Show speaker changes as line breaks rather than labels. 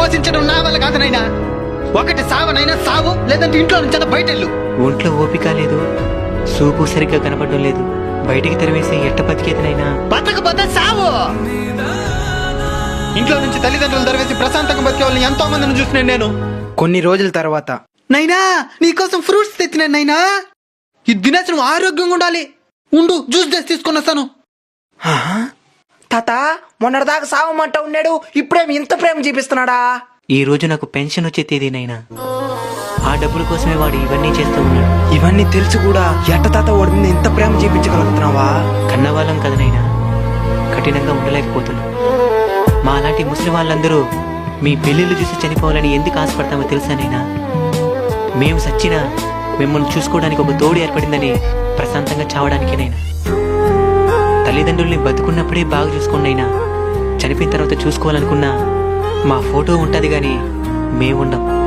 పోషించడం నా వల్ల కాదు నైనా. ఒకటి సావనైనా సావు, లేదంటే ఇంట్లో నుంచి బయటెళ్ళు.
ఒంట్లో ఓపిక లేదు, సూపు సరిగ్గా కనపడడం లేదు, బయటికి తరివేసి ఎట్ట బతికేతనైనా.
బతకపోతే సావు. ఇంట్లో నుంచి తల్లిదండ్రులు తరివేసి ప్రశాంతంగా బతికే వాళ్ళని ఎంతో మందిని చూసినాను నేను.
కొన్ని రోజుల తర్వాత,
నైనా నీకోసం ఫ్రూట్స్ తెచ్చినాను నైనా. ఇది తినేసి నువ్వు ఆరోగ్యంగా ఉండాలి. ఉండు, జ్యూస్ చేసి తీసుకొని వస్తాను.
తాత మొన్నటిదాకా సావమంట ఉన్నాడు, ఇప్పుడేమి ఇంత ప్రేమ చూపిస్తున్నాడా?
ఈ రోజు నాకు పెన్షన్ వచ్చే తేదీనైనా. ఆ డబ్బుల కోసమే వాడు ఇవన్నీ చేస్తూ ఉన్నాడు.
ఇవన్నీ తెలుసు కూడా ఎట్ట తాత వాడి మీద ఇంత ప్రేమ చూపించగలుగుతున్నావా?
కన్నవాళ్ళం కదనైనా, కఠినంగా ఉండలేకపోతున్నాం. మా అలాంటి ముస్లిం వాళ్ళందరూ మీ పెళ్ళిళ్ళు చూసి చనిపోవాలని ఎందుకు ఆశపడతామో తెలుసానైనా. మేము సచ్చినా మిమ్మల్ని చూసుకోవడానికి ఒక తోడు ఏర్పడిందని ప్రశాంతంగా చావడానికేనైనా. తల్లిదండ్రుల్ని బతుకున్నప్పుడే బాగా చూసుకోండినైనా, చనిపోయిన తర్వాత చూసుకోవాలనుకున్నా మా ఫోటో ఉంటుంది కానీ మేముండం.